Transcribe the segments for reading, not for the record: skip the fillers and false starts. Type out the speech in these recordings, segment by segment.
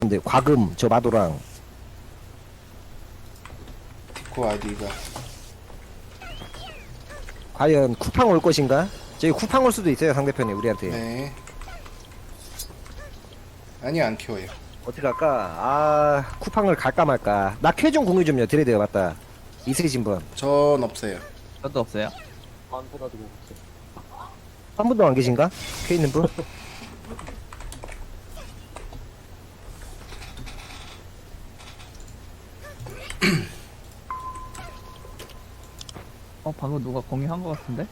근데 과금 저 마도랑 디코 아이디가 과연 쿠팡 올 것인가? 저기 쿠팡 올 수도 있어요 상대편이 우리한테. 네. 아니 안 키워요. 어떻게 할까? 아 쿠팡을 갈까 말까. 나 쾌중 공유 좀요 드레드요 맞다. 있으신 분. 전 없어요. 저도 없어요. 한 분도 안 계신가? 쾌 있는 분? 방금 누가 공유한 것 같은데?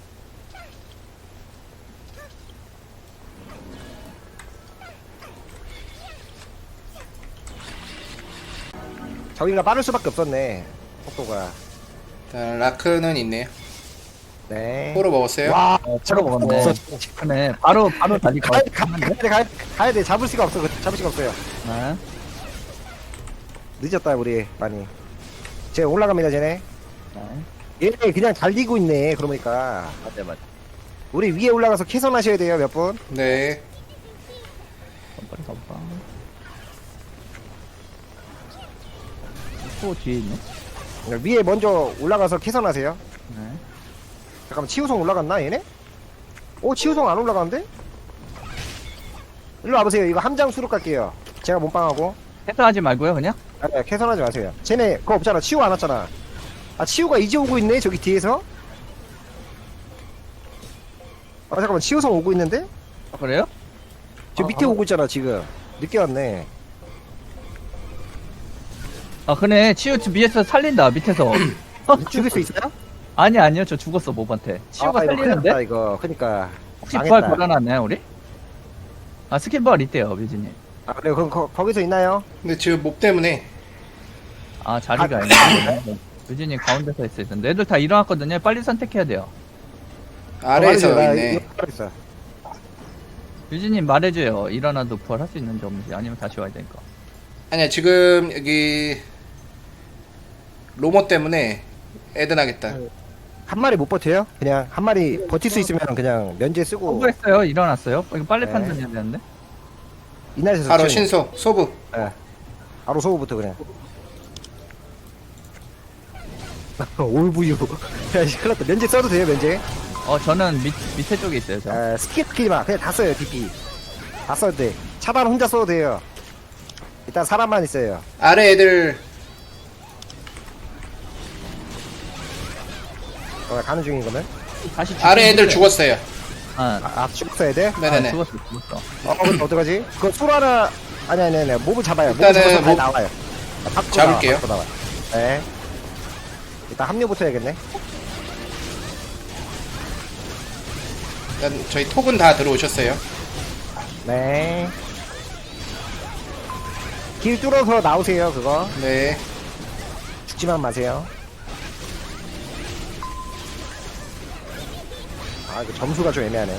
저기가 빠를 수밖에 없었네 속도가. 일단 라크는 있네요. 네. 포로 먹었어요? 와 차로 먹었네. 그네 바로 달릴 것 같은데? 가야 돼 잡을 수가 없어 잡을 수가 없어요. 네. 늦었다 우리 많이. 쟤 올라갑니다 쟤네. 네. 얘네 그냥 달리고 있네 그러니까. 맞아. 우리 위에 올라가서 캐선하셔야 돼요 몇 분. 네. 빨리 가봐. 또 뒤에 있네. 위에 먼저 올라가서 캐선하세요. 네. 잠깐만 치우성 올라갔나 얘네? 오 치우성 안 올라가는데? 일로 와보세요. 이거 함장 수륙 갈게요. 제가 몸빵하고. 해소하지 말고요, 그냥. 아, 캐선하지 마세요. 쟤네 그거 없잖아. 치우 안 왔잖아. 아 치우가 이제 오고 있네 저기 뒤에서. 아 잠깐만 치우성 오고 있는데? 그래요? 저 밑에 오고 있잖아 지금. 늦게 왔네. 그네. 치유 위에서 살린다, 밑에서. 죽일 수 있어요? 아니요, 저 죽었어, 모반테. 치유가 이거 큰일 살리는데? 났다, 이거 그니까. 혹시 망했다. 부활 걸어놨나요, 우리? 스킨부활 있대요, 뮤즈님. 아 그래 그럼 거기서 있나요? 근데 지금 몹 때문에 자리가 아니네. 뮤즈님 가운데서 있어야 되는데. 애들 다 일어났거든요. 빨리 선택해야 돼요. 아래에서 나 있네. 이거 있어. 뮤즈님 말해줘요. 일어나도 부활할 수 있는지 없는지. 아니면 다시 와야 되니까. 아니야 지금 여기 로모 때문에 애드나겠다. 한 마리 못 버텨요? 그냥 한 마리 버틸 수 있으면 그냥 면제 쓰고 성공했어요. 일어났어요. 이거 빨리 네. 판단해야 되는데. 이날에서 바로 치우는 신속 소부. 거. 예. 바로 소부부터 그냥. 올부유. 야, 씨, 큰일 났다. 면제 써도 돼요, 면제? 저는 밑에 쪽에 있어요, 저. 스킵 키지 마. 그냥 다 써요, DP. 다 써도 돼. 차단 혼자 써도 돼요. 일단 사람만 있어요. 아래 애들 가는 중인 거면? 다시 아래 애들 죽었어요. 죽었어야 돼? 네네네. 죽었어. 그럼 어떡하지? 그거 술 하나, 아니. 몹을 잡아요. 몹을 일단은 잡아서 몹 나와요. 밖으로 잡을게요. 밖으로 나와요. 네. 일단 합류부터 해야겠네. 일단 저희 톡은 다 들어오셨어요. 네. 길 뚫어서 나오세요, 그거. 네. 죽지만 마세요. 이거 점수가 좀 애매하네.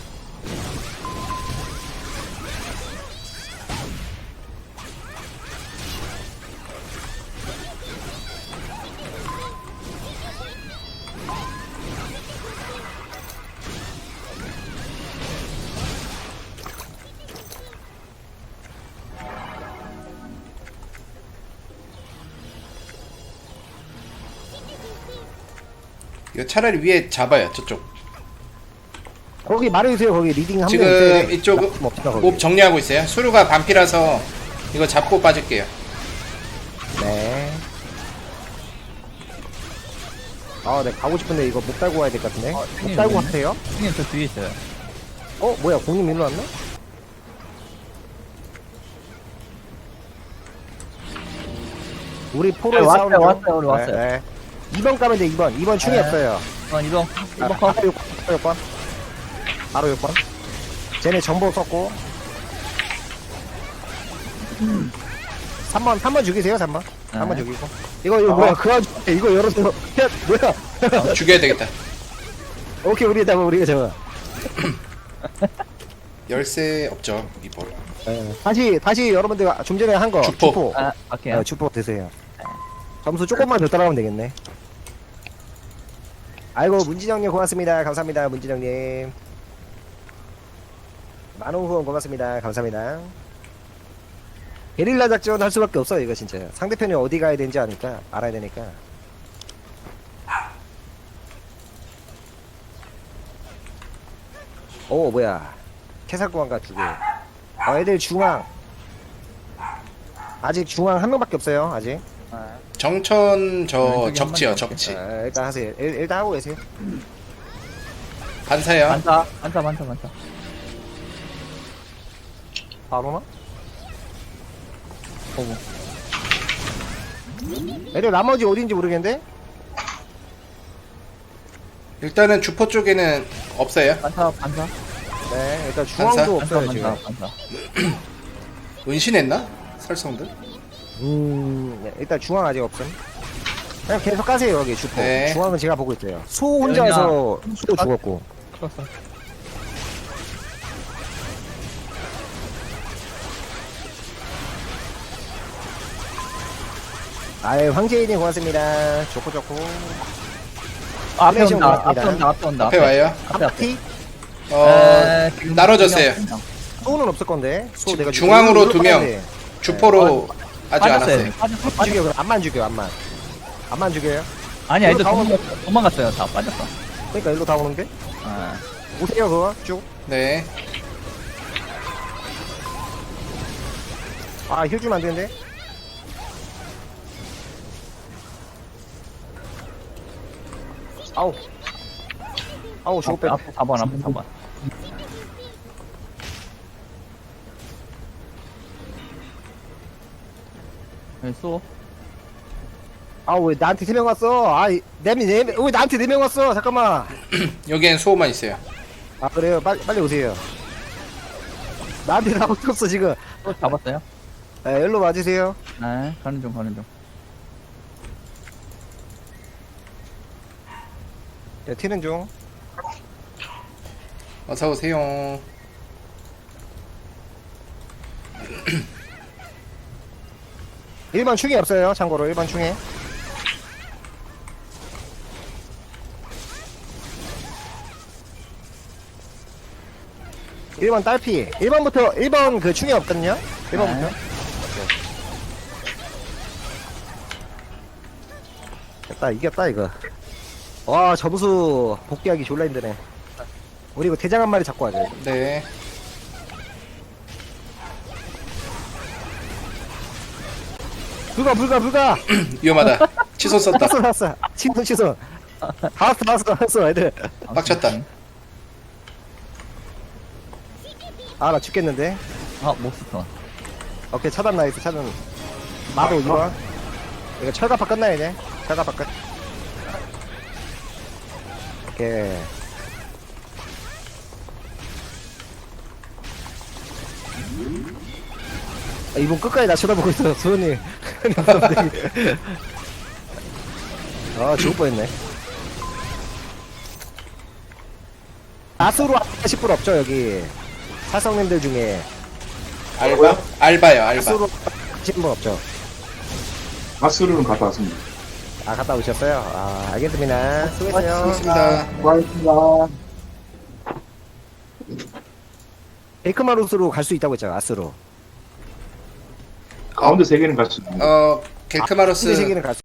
이거 차라리 위에 잡아요. 저쪽. 거기 말해주세요, 거기 리딩 한명 지금 이쪽 몹 정리하고 있어요. 수루가 반피라서 이거 잡고 빠질게요. 네. 네, 가고 싶은데 이거 못 달고 와야 될 것 같은데. 못 형님 달고 있네. 가세요? 형님 저 뒤에 있어요. 뭐야, 공님 일로 왔나? 우리 포로에 네, 왔어요, 싸우는 중. 왔어요, 우리 왔어요. 네. 2번 가면 돼, 2번. 2번 충이 네. 없어요. 이동. 이동 컷. 바로 6번. 바로 6번. 쟤네 정보 썼고. 3번 죽이세요, 3번. 3번 네. 죽이고. 이거 뭐야, 그 와중에 이거 열어서. 야, 뭐야. 죽여야 되겠다. 오케이, 우리가 잡아. 열쇠 없죠. 이번. 다시 여러분들 좀 전에 한 거. 주포. 갈게요. 주포 드세요. 점수 조금만 더 따라가면 되겠네. 아이고, 문진영님 고맙습니다. 감사합니다, 문진영님. 만원 후원 고맙습니다. 감사합니다. 게릴라 작전 할 수밖에 없어요 이거 진짜. 상대편이 어디 가야 되는지 아니까 알아야 되니까. 오 뭐야 캐살구간가 두 개. 애들 중앙 아직 중앙 한 명밖에 없어요 아직. 정천 저 왼쪽에 적지요 한 적지. 일단 하세요. 일단 하고 계세요. 반사요. 반사. 바로나? 보고. 애들 나머지 어딘지 모르겠는데? 일단은 주포 쪽에는 없어요. 반사. 네 일단 중앙도 반사? 없어요 지금. 반사. 은신했나? 설성들? 네, 일단 중앙 아직 없음. 그냥 계속 가세요 여기 주포. 네. 중앙은 제가 보고 있어요. 수 혼자서 수도 죽었고. 풀었어. 아유 황제인이 고맙습니다. 좋고. 앞에 플래시 온다. 올라왔습니다. 앞에 온다. 앞에 와요. 앞에. 티 지금 나눠졌어요. 두 명. 수는 없을 건데. 수 내가 중앙으로 죽여. 두 명. 주포로 아직 안 빠졌어요. 왔어요. 빠졌어. 죽여 그럼 암만 죽여 암만. 암만 죽여요. 아니, 애들 이거 다 도망갔어요. 다 빠졌어. 그러니까 일로 다 오는데. 아, 오세요 그거 쭉. 네. 아 힐 주면 안 되는데. 아우 죽을 뻔. 앞에 4번. 여기 쏘. 아우 왜 나한테 3명 왔어? 아 내미 왜 나한테 4명 왔어? 잠깐만. 여기엔 수호만 있어요. 아 그래요? 빨리 오세요. 나한테 다 없었어 지금. 또 잡았어요? 네, 일로 와주세요. 네, 가는 중. 네, 튀는 중. 어서 오세요. 일반 충이 없어요. 참고로 일반 충에. 일반 딸피. 1번 그 충이 없거든요. 1번부터. 네. 됐다 이겼다 이거. 와 점수 복귀하기 졸라 힘드네. 우리 이거 대장 한 마리 잡고 하자. 네. 불가. 위험하다. 치손 썼다. 났어. 친손. 다 왔어 애들. 빡쳤다. 아 나 죽겠는데. 아, 몹스터. 오케이 차단 나이스 차단. 나도 2번. 이거 철갑파 끝나야 돼. 철갑파 끝. 오케이. 이분 끝까지 나 쳐다보고 있어 수현이. 아 죽을 뻔했네. 아수로 하실 분 없죠 여기 사성님들 중에. 알바요, 알바. 아수로 하신 분 없죠? 가스로는 갔다 왔습니다. 아 갔다 오셨어요? 아 알겠습니다. 수고했어요. 수고하셨습니다. 고맙습니다. 베이크마루스로 갈 수 있다고 했잖아 아스로. 가운데 세 개는 갔습니다. 근데 겔크마로스 세계는 갈 수.